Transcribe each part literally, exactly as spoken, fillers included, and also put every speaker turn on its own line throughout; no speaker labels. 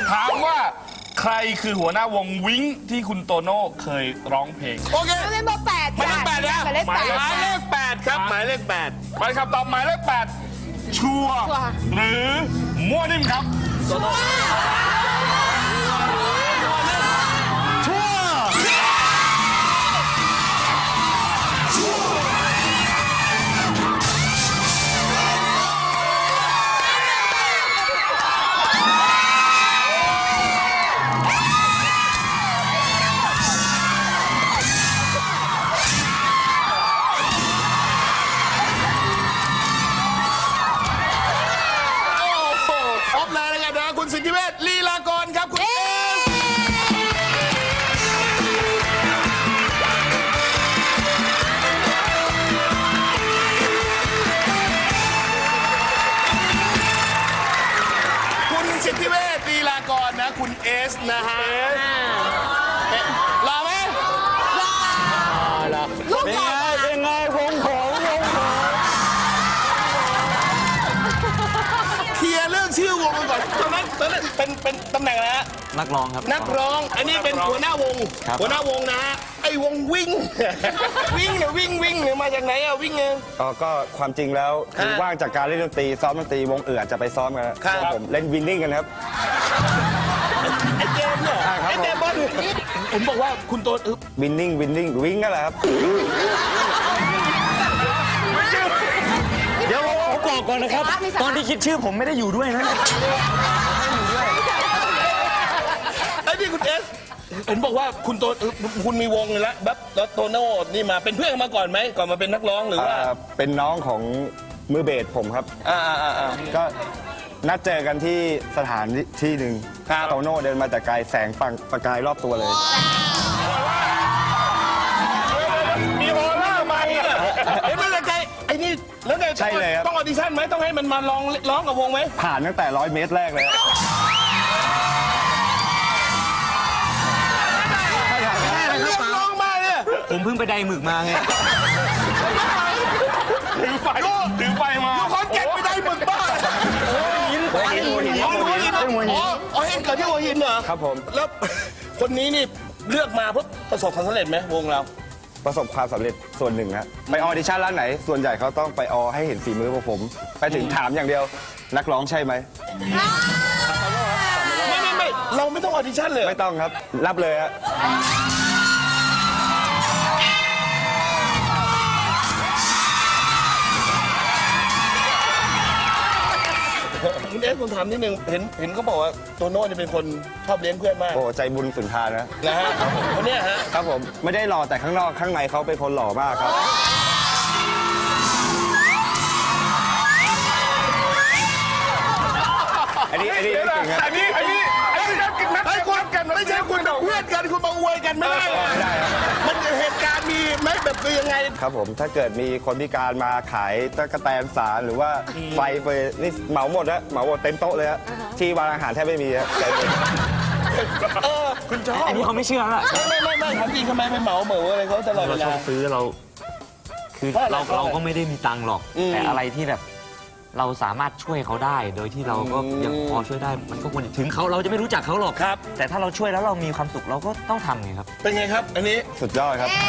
ถามว่าใครคือหัวหน้าวงวิ้งที่คุณโตโน่เคยร้องเพลง
โอเค
ไม่เป็นเบอร์แปด
หมายเลขแปดนะ
หมายเลขแปด
หมายเลขแปดครับหมายเลขแปด
ไปคำตอบหมายเลขแปดชัวร์หรือมั่วนิ่มครับ
ชัวร์สิทธิเวชลีลากรครับคุณเอสคุณสิทธิเวชลีลากรนะคุณเอสนะฮะรอไหมรอลูกใหญ่เป็นไงวงของวงของเคลียร์เรื่องชื่อวงกันก่อนตอนนั้นตอนนั้นเป็นเป็นตำแหน่งอะไรฮะ
นักร้องครับ
นักร้องอันนี้เป็นหัวหน้าวงหัวหน้าวงนะไอ้วงวิ่งวิ่งเนี่ยวิ่งวิ่งเนี่ยมาจากไหนอะวิ่งเอง
อ๋อก็ความจริงแล้วคือว่างจากการเล่นดนตรีซ้อมดนตรีวงอื่นอาจจะไปซ้อมกันครับผมเล่นวินนิ่งกันครับ
ไอ้เกมเนี่ยไอ้เกมบอลผมบอกว่าคุณโต
วินนิ่งวินนิ่งวิ่งกันแหละครับ
เดี๋ยวผมบอกก่อนนะครับตอนที่คิดชื่อผมไม่ได้อยู่ด้วยนะ
ไอ้นี่คุณเอสเห็นบอกว่าคุณโตคุณมีวงเลยละแบบแล้วโตโน่นี่มาเป็นเพื่อนมาก่อนไหมก่อนมาเป็นนักร้องหรือว่า
เป็นน้องของมือเบสผมครับ
อ่าอ่าอ่า
ก็นัดเจอกันที่สถานที่หนึ่งโตโน่เดินมาแต่ไกลแสงปังประกายรอบตัวเลย
มีโอล่ามาเห็นไหมไกลไอ้นี่แล้วไง
ใช่เลยครับ
ต้องออดิชั่นไหมต้องให้มันมาลองร้องกับวงไหม
ผ่านตั้งแต่ร้อยเมตรแรกเลย
ผมเพิ่งไปไดหมึกมาไง
ถือไฟถือไฟมา
คอนเก็ตไปได้หมึกบ้า
หัวหินหัวหินหัวหิน
อ๋ออ๋อเห็นเกิดที่หัวหินเหรอ
ครับผม
แล้วคนนี้นี่เลือกมาเพื่อประสบความสำเร็จไหมวงเรา
ประสบความสำเร็จส่วนหนึ่งฮะไปออดิชั่นร้านไหนส่วนใหญ่เขาต้องไปออให้เห็นฝีมือพวกผมไปถึงถามอย่างเดียวนักร้องใช่ไหม
ไม่ไม่ไม่เราไม่ต้องออดิชั่นเลย
ไม่ต้องครับรับเลยฮะ
คุณเอสผมถามนิดนึงเห็นเห็นเขาบอกว่าโตโน่จะเป็นคนชอบเลี้ยงเพื่อนมาก
โอ้ใจบุญสุนทานนะ
นะฮะคนนี้ฮะ
ครับผมไม่ได้หล่อแต่ข้างนอกข้างในเขาเป็นคนหล่อมากครับอันนี้อันนี้จริงครับ
อันนี้อันนี้อันนี้นักกินนัก
คุณกันไม่ใช่คุณเป็นเพื่อนกันคุณมาอวยกันไม่ได้มันเหตุการณ์มีไหมแบบคือยังไง
ครับผมถ้าเกิดมีคนพิการมาขายตะกแตนสารหรือว่าไฟเฟยนี่เหมาหมดนะเหมาหมดเต็มโต๊ะเลยฮะที่วางอาหารแทบไม่มีฮะ
เออคุณชอบ
อันนี้เขาไม่เชื่อละ
ไม่ไม่ไม่ถามจริงทำไมไม่เหมาเหมืออะไรเขาตลอดเวลา
เราชอบซื้อเราคือเราเราก็ไม่ได้มีตังค์หรอกแต่อะไรที่แบบเราสามารถช่วยเขาได้โดยที่เราก็ยังพอช่วยได้มันก็ควรถึงเขาเราจะไม่รู้จักเขาหรอก
ครับ
แต่ถ้าเราช่วยแล้วเรามีความสุขเราก็ต้องทำไงครับ
เป็นไงครับอันนี้
สุดยอดครับ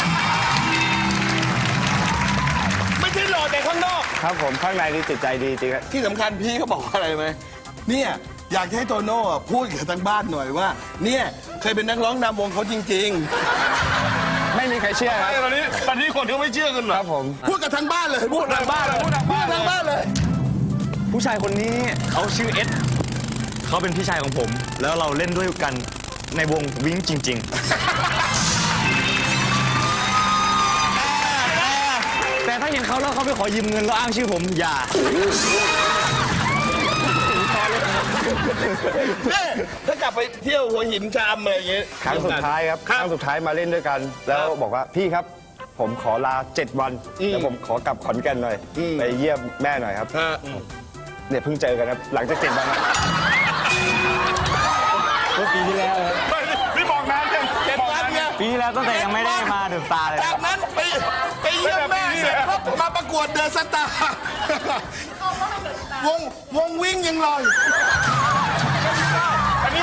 ไม่ใช่หล่อแต่ข้างนอก
ครับผมข้างในนี่จิตใจดีจริงครับ
ที่สำคัญพี่เขาบอกว่าอะไรไหมเนี่ยอยากให้โตโน่พูดกับทางบ้านหน่อยว่าเนี่ยเคยเป็นนักร้องนำวงเขาจริงๆ
ไม่มีใครเชื่อครับ
ตอนนี้ตอนนี้คนเขาไม่เชื่อกันหรอ
ครับผม
พูดกับทางบ้านเลยพูดทางบ้านเลยพูดทางบ้านเลย
ผู้ชายคนนี้เขาชื่อเอสเขาเป็นพี่ชายของผมแล้วเราเล่นด้วยกันในวงวิ้งจริงๆแต่ถ้าเห็นเขาแล้วเขาไปขอยืมเงินแล้วอ้างชื่อผมอย่า
ถ้ากลับไปเที่ยวหัวหินชามอะไรอย่างเงี้ย
ครั้งสุดท้ายครับครั้งสุดท้ายมาเล่นด้วยกันแล้วบอกว่าพี่ครับผมขอลาเจ็ดวันแล้วผมขอกลับขอนแก่นหน่อยไปเยี่ยมแม่หน่อยครับเนี่ยเพิ่งเจอกันครับหลังจากเจ็ดวัน
เมื่อปีที่แล้ว
พี่บอกนานจัง
เจ็ดวันเนี่ย
ปีแล้วตั้งแต่ยังไม่ได้มาเดือดตาเลย
จากนั้นไปไปเยี่ยมแม่เสร็จปุ๊บมาประกวดเดอะสตาร์วงวงวิ่งยังลอย
อันนี้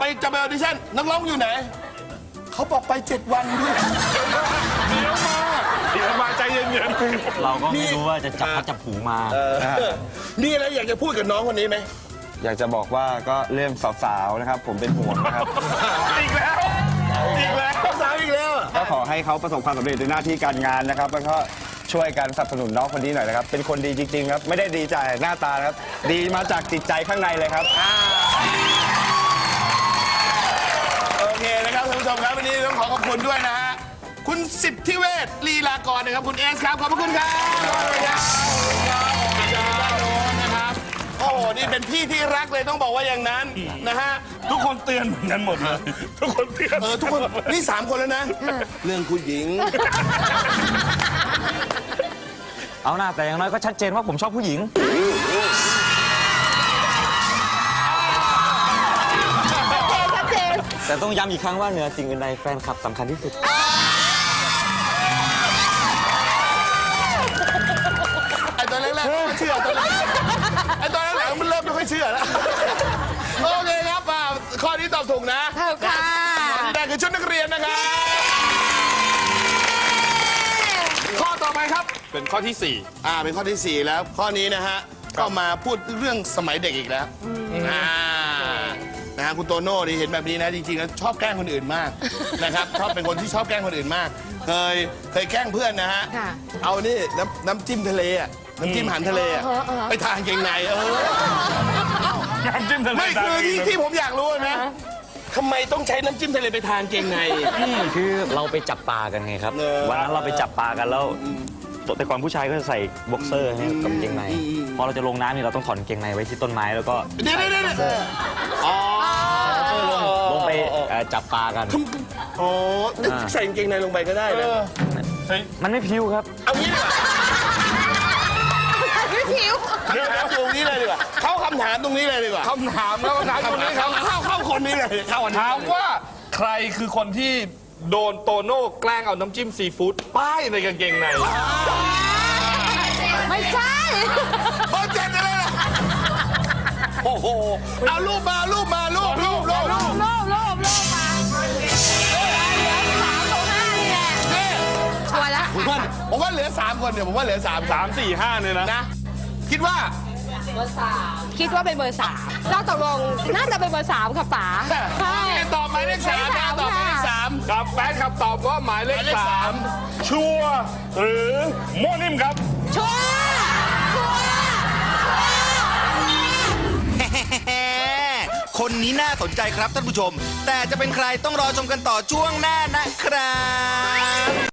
จะไปออดิชั่นนักร้องอยู่ไหน เขาบอกไปเจ็ดวันด้วย
เดี๋ยวมาเดี๋ยวมาใจเย็น
เราก็ไม่รู้ว่าจะจับพัดจับผูมา
มีอะไรอยากจะพูดกับน้องคนนี้ไหม
อยากจะบอกว่าก็เรื่องสาวๆนะครับ ผมเป็นห่วงนะครับ
ๆอีกแล้วอีกแล้ว
สาวอีกแล้ว
ก็ขอให้เขาประสบความสำเร็จในหน้าที่การงานนะครับ แล้วก็ช่วยกันสนับสนุนน้องคนนี้หน่อยนะครับ เป็นคนดีจริงๆครับ ไม่ได้ดีใจหน้าตานะครับ ดีมาจากจิตใจข้างในเลยครับ
โอเคนะครับท่านผู้ชมครับวันนี้ต้องขอขอบคุณด้วยนะฮะคุณสิทธิเวชลีลากรนะครับคุณเอสครับขอบพระคุณครับขอบคุณครับขอบคุณครับด้านโน้นนะครับโอ้โหนี่เป็นพี่ที่รักเลยต้องบอกว่าอย่างนั้นนะฮะ
ทุกคนเตือนเหมือนกันหมดเลยทุกคนเตือน
เออทุกคนนี่สามคนแล้วนะ เรื่องผู้หญิง
เอาหน้าแต่อย่างน้อยก็ชัดเจนว่าผมชอบผู้หญิง
ชัดเจน
แต่ต้องย้ำอีกครั้งว่าเหนือสิ่งอื่นใดแฟนคลับสำคัญที่สุด
ไอ้ตอนแรกๆไม่เชื่อตอนแรกไอ้ตอนหลังๆมันเริ่มไม่ค่อยเชื่อแล้วโอเคครับอ่าข้อนี้ตอบถูกนะ
ถูกค่ะ
แต่คือชุดนักเรียนนะครับข้อต่อไปครับ
เป็นข้อที่สี่
อ่าเป็นข้อที่สี่แล้ว ข้อนี้นะฮะก็มาพูดเรื่องสมัยเด็กอีกแล้วอ่านะฮะคุณโตโน่นี่เห็นแบบนี้นะจริงๆแล้วชอบแกล้งคนอื่นมากนะครับชอบเป็นคนที่ชอบแกล้งคนอื่นมาก เคยเคยแกล้งเพื่อนนะฮะ
ค่ะ
เอานี่น้ำน้ำจิ้มทะเลอะน้ำจิ้มอาหารทะเลอะไปทานเกงในเออ
น้ำจิ้มทะเล
ไม่คือที่ที่ผมอยากรู้นะทำไมต้องใช้น้ำจิ้มทะเลไปทานเกงใน
คือเราไปจับปลากันไงครับ
เออ
วันนั้นเราไปจับปลากันแล้วแต่ก่อนผู้ชายก็จะใส่บ็อกเซอร์ให้กับกางเกงใน พอเราจะลงน้ำนี่เราต้องถอนกางเกงในไว้ที่ต้นไม้แล้วก็
เดี๋ยวเดี๋ยวเดี๋ยวอ๋อ
ลงไปเอ่อจับปลากัน
อ๋อใส่กางเกงในลงไปก็ได้นะ
มันไม่พิ้วครับ
เอางี้ดีกว่า
พี่ผิว
คำถามตรงนี้เลยดีกว่าเข้าคำถามตรงนี้เลยดีกว่า
คำถามแล้วคำถามตรงนี้ครับ
เข้าเข้าคนนี้เลยเข้าอันนี้
ถามว่าใครคือคนที่โดนโตโน่แกล้งเอาน้ำจิ้มซีฟู้ดป้ายในกางเกงใน
ไม่ใช่
เบอร์เจ็ดอะไรล่ะโอ้โหเอารูปมารูปมารูปรูปรูปรูป
โลภโลภโลภมาเหลือสามตรงห้านี่แหละ
นี่
ชัวร์แล้ว
ผมว่าผมว่าเหลือสามคนเดี๋ยวผมว่าเหลือสาม
สามสี่ห้าเนี่ยนะ
นะคิดว่า
คิดว่าเป็นเบอร์สามเราตกลงน่าจะเป็นเบอร์สามค่ะป๋าใช่
ตอบหมายเลขสามนะตอบหมายเลขสาม
ครับแฟนคลับตอบว่าหมายเลข
หมายเลข
สา
สาม
มชัวร์หรือโมนิ่มครับ
ชัวร์ชัวร์
คนนี้น่าสนใจครับท่านผู้ชม แต่จะเป็นใครต้องรอชมกันต่อช่วงหน้านะครับ